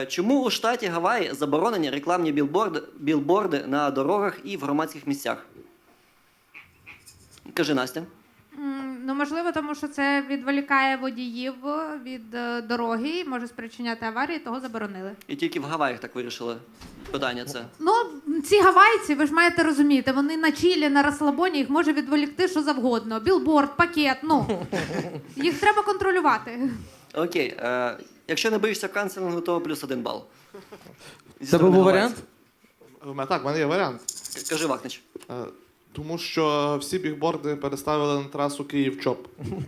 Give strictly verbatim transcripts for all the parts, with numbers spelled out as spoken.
Чому у штаті Гаваї заборонені рекламні білборди, білборди на дорогах і в громадських місцях? Кажи, Настя. М, Ну, можливо, тому що це відволікає водіїв від е, дороги і може спричиняти аварії, того заборонили. І тільки в Гаваях так вирішили питання це. Ну, ці гавайці, ви ж маєте розуміти, вони на чилі, на розслабоні, їх може відволікти що завгодно. Білборд, пакет, ну. Їх треба контролювати. Окей. Е, якщо не боїшся канцелінгу, то плюс один бал. Зі Це сторони був гавайців. варіант? Е, Так, в мене є варіант. К- Кажи, Вахнич. Е, Тому що всі бігборди переставили на трасу Київ-Чоп.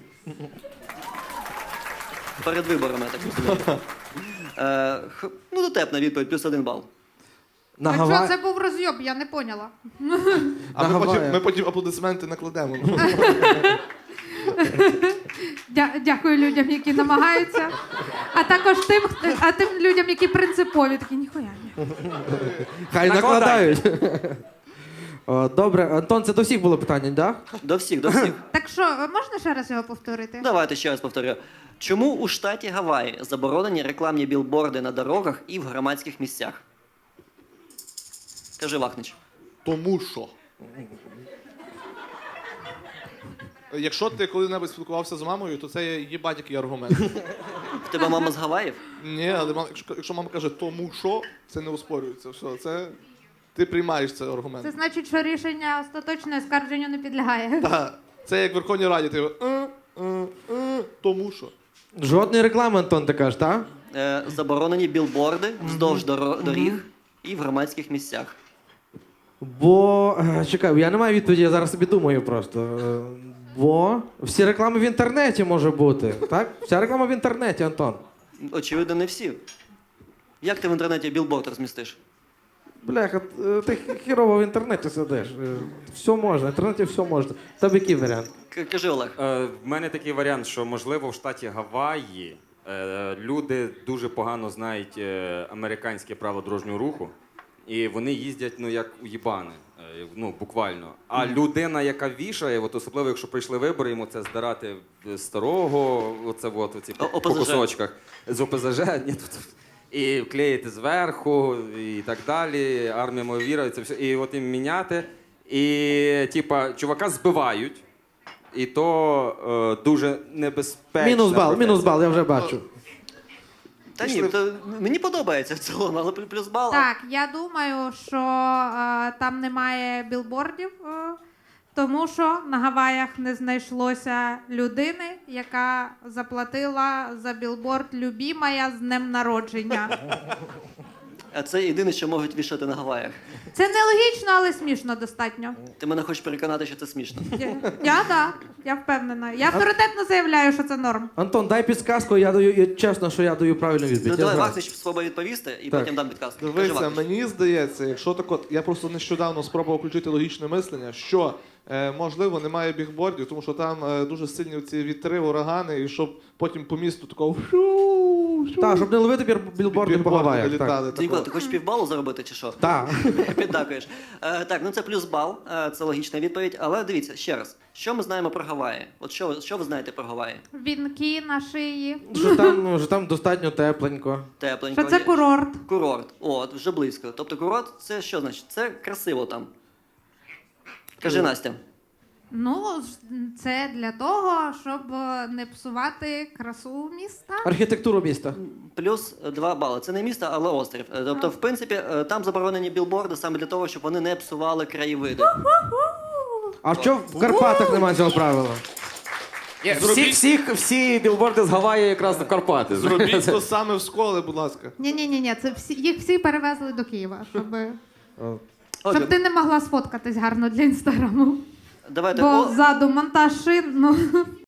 Перед виборами, я так розумію. Е, х- ну, дотепна відповідь, плюс один бал. На А Гава... що це був розйоб, я не поняла. А На ми потім, Гаваях. ми потім аплодисменти накладемо. Дя- Дякую людям, які намагаються. А також тим, хто- а тим людям, які принципові, такі ніхуя ні. Хай Накладай. накладають. О, добре, Антон, це до всіх було питання, так? Да? До всіх, до всіх. Так що, можна ще раз його повторити? Давайте ще раз повторю. Чому у штаті Гаваї заборонені рекламні білборди на дорогах і в громадських місцях? Кажи, Вахнич. Тому що. Якщо ти коли-небудь спілкувався з мамою, то це є їбать який аргумент. В тебе мама з Гаваїв? Ні, але мама, якщо, якщо мама каже тому що, це не оспорюється. Все, це ти приймаєш цей аргумент. Це значить, що рішення остаточне оскарженню не підлягає. Та, це як в Верховній Раді, ти е, е, е, тому що. Жодної реклами, Антон, ти кажеш, так? Е, заборонені білборди вздовж доро- доріг і в громадських місцях. Бо, е, чекай, я не маю відповіді, я зараз собі думаю просто. Е, Бо всі реклами в інтернеті може бути, так? Вся реклама в інтернеті, Антон. Очевидно, не всі. Як ти в інтернеті білборд розмістиш? Бляха, е, ти хірово в інтернеті сидиш. Е, Все можна, в інтернеті все можна. В тебе який варіант? К- Кажи, Олег. Е, в мене такий варіант, що можливо в штаті Гаваї е, люди дуже погано знають е, американське право дорожнього руху, і вони їздять ну як уїбани, е, ну буквально. А людина, яка вішає, от особливо якщо прийшли вибори, йому це здирати з старого, оце от оці по, О- по ОПЗЖ. кусочках з ОПЗЖ, ні, тут. І клеїти зверху, і так далі. Армія моя віра, і це все. І от їм міняти. І, типа, чувака збивають. І то е, дуже небезпечно. Мінус бал, мінус бал, я вже бачу. Та ні, то мені подобається в цілому, але плю- плюс бал. Так, я думаю, що е, там немає білбордів, е, тому що на Гаваях не знайшлося людини, яка заплатила за білборд «Любімая з днем народження». А це єдине, що можуть вішати на Гаваях. Це нелогічно, але смішно достатньо. Ти мене хочеш переконати, що це смішно. Я, я так, я впевнена. Я авторитетно заявляю, що це норм. Антон, дай підсказку, я даю, я- чесно, що я даю правильну Ну, відповідь. Я давай знаю. Вахнич спробує відповісти і Так. потім дам підказку. Кажи, Дивися, Вахнич. мені здається, якщо так от, я просто нещодавно спробував включити логічне мислення, що е, можливо немає бігбордів, тому що там е, дуже сильні ці вітри, урагани, і щоб потім по місту такого Так, щоб не ловити бір- білборди по Гаваях. Так. літали. Ти Нікола, ти хочеш півбалу заробити чи що? Так. Піддакуєш. Е, так, ну це плюс бал, е, це логічна відповідь. Але дивіться, ще раз, що ми знаємо про Гаваї? От що, ви- що ви знаєте про Гаваї? Вінки на шиї. Що там, ну, що там достатньо тепленько. Тепленько. Що це є. курорт. Курорт. От, вже близько. Тобто курорт це що значить? Це красиво там. Кажи, Настя. Ну, це для того, щоб е, не псувати красу міста. Архітектуру міста. Плюс два бали. Це не місто, але острів. Е, Тобто, в принципі, е, там заборонені білборди саме для того, щоб вони не псували краєвиди. А що в Карпатах немає цього правила? Всі, всіх, всі білборди з Гаваї якраз в Карпати. Зробіть то саме в школи, будь ласка. Ні, ні, ні, ні, це всі їх всі перевезли до Києва, щоб, О. Отже, щоб ти не могла сфоткатись гарно для інстаграму. давайте. Бо о- ззаду монтаж шин, ну.